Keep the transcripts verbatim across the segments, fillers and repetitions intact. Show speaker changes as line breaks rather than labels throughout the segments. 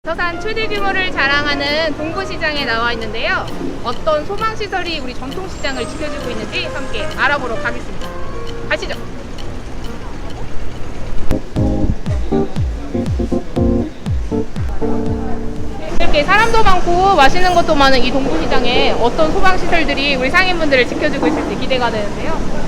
서산 최대 규모를 자랑하는 동부시장에 나와 있는데요. 어떤 소방시설이 우리 전통시장을 지켜주고 있는지 함께 알아보러 가겠습니다. 가시죠. 이렇게 사람도 많고 맛있는 것도 많은 이 동부시장에 어떤 소방시설들이 우리 상인분들을 지켜주고 있을지 기대가 되는데요.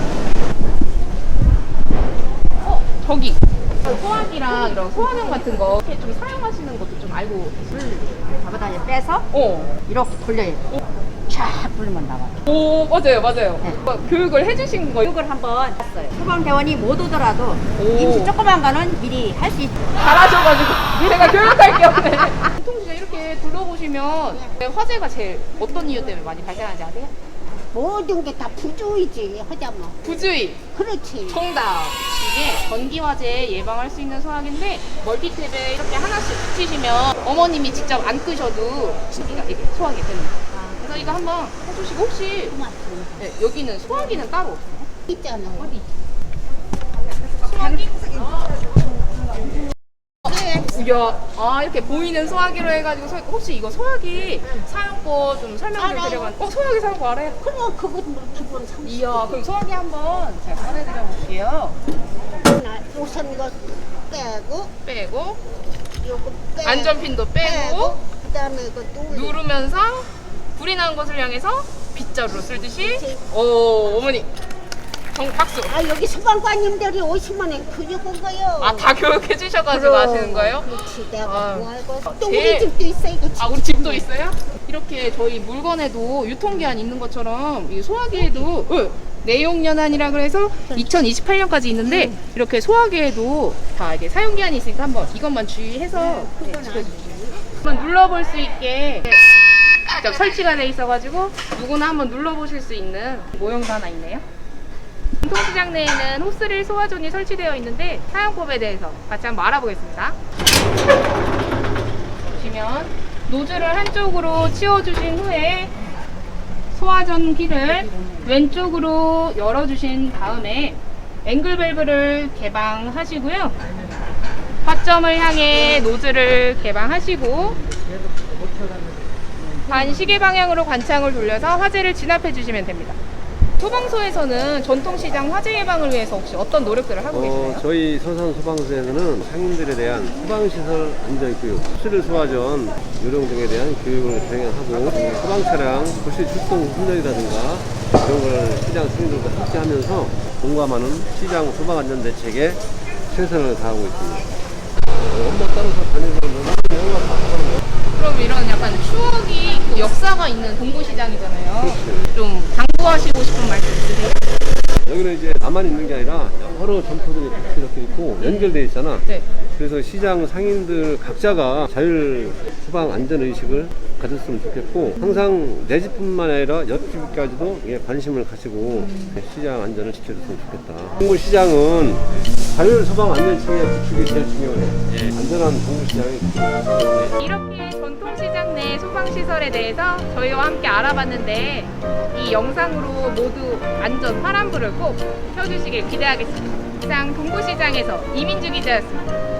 어, 저기 소화기랑 이런 소화경 같은 거 이렇게 좀 사용하시는 것도 좀 알고 계시죠?
잡아다니 빼서
어.
이렇게 돌려요. 쫙 돌리면 나와요.
오, 맞아요, 맞아요.
네.
어, 교육을 해주신 거예요?
교육을 한번 했어요. 소방대원이 못 오더라도
오.
임시 조그만 거는 미리 할 수 있어요.
잘하셔가지고 제가 교육할 게 없네. 전통시장 이렇게 둘러보시면 화재가 제일 어떤 이유 때문에 많이 발생하는지 아세요?
모든 게 다 부주의지 하자면.
부주의.
그렇지.
정답. 이게 전기 화재 예방할 수 있는 소화기인데 멀티탭에 이렇게 하나씩 붙이시면 어머님이 직접 안 끄셔도 전기가 이게 소화기 됩니다. 그래서 이거 한번 해주시고 혹시
고맙습니다.
네, 여기는 소화기는 따로 없어요?
있잖아.
어디? 소화기? 이야, 아 이렇게 보이는 소화기로 해가지고 소, 혹시 이거 소화기 사용법 좀 설명 좀
알아요.
드려봐. 어 소화기 사용법 알아요?
그럼 그건 뭐 기본 상식.
이야, 그럼 소화기 한번 제가 꺼내드려 볼게요.
우선 이거 빼고,
빼고
요거 빼고.
안전핀도 빼고
그다음에 이거 누르.
누르면서 불이 나는 곳을 향해서 빗자루로 쓸듯이.
그렇지.
오 어머니 정 박수.
아 여기 소방관님들이 오시면 교육한 거요.
아 다 교육해 주셔가지고 하시는 거예요?
그렇지. 내가
아,
뭐 알고.
아,
또
제일-
우리 집도 있어 이거.
아 우리 집도 있어요? 이렇게 저희 물건에도 유통기한 있는 것처럼 이 소화기에도 응, 내용연한이라 그래서 이천이십팔 년까지 있는데 이렇게 소화기에도 다 이게 사용기한이 있으니까 한번 이것만 주의해서 네, 지켜주시죠. 한번 눌러볼 수 있게 직접 설치가 돼 있어가지고 누구나 한번 눌러보실 수 있는 모형도 하나 있네요. 전통시장 내에는 호스릴 소화존이 설치되어 있는데 사용법에 대해서 같이 한번 알아보겠습니다. 보시면 노즐을 한쪽으로 치워주신 후에 소화전기를 왼쪽으로 열어주신 다음에 앵글 밸브를 개방하시고요. 화점을 향해 노즐을 개방하시고 반시계 방향으로 관창을 돌려서 화재를 진압해 주시면 됩니다. 소방서에서는 전통시장 화재 예방을 위해서 혹시 어떤 노력들을 하고 계시나요?
어, 저희 서산 소방서에서는 상인들에 대한 소방시설 안전교육, 수질 소화전, 요령 등에 대한 교육을 진행하고 소방차량 불시 출동 훈련이라든가 이런 걸 시장 상인들과 함께 하면서 공감하는 시장 소방안전대책에 최선을 다하고 있습니다. 어, 엄마 따라서 다니는 사람들은 영화 다 하는 거.
그럼 이런 약간 추억이 있고 역사가 있는 동부시장이잖아요.
그렇지.
좀 당부하시고 싶은 말씀 있으세요?
여기는 이제 나만 있는 게 아니라 여러 점포들이 같이 이렇게 있고 연결되어 있잖아.
네.
그래서 시장 상인들 각자가 자율 소방 안전 의식을 가졌으면 좋겠고 항상 내 집뿐만 아니라 옆집까지도 예, 관심을 가지고 시장 안전을 지켜줬으면 좋겠다. 동부 시장은 자율 소방 안전 체계 구축이 제일 중요해. 안전한 동부 시장이 중요해.
이렇게 전통시장 내 소방시설에 대해서 저희와 함께 알아봤는데 이 영상으로 모두 안전 파란불을 꼭 켜주시길 기대하겠습니다. 시장 동부시장에서 이민주 기자였습니다.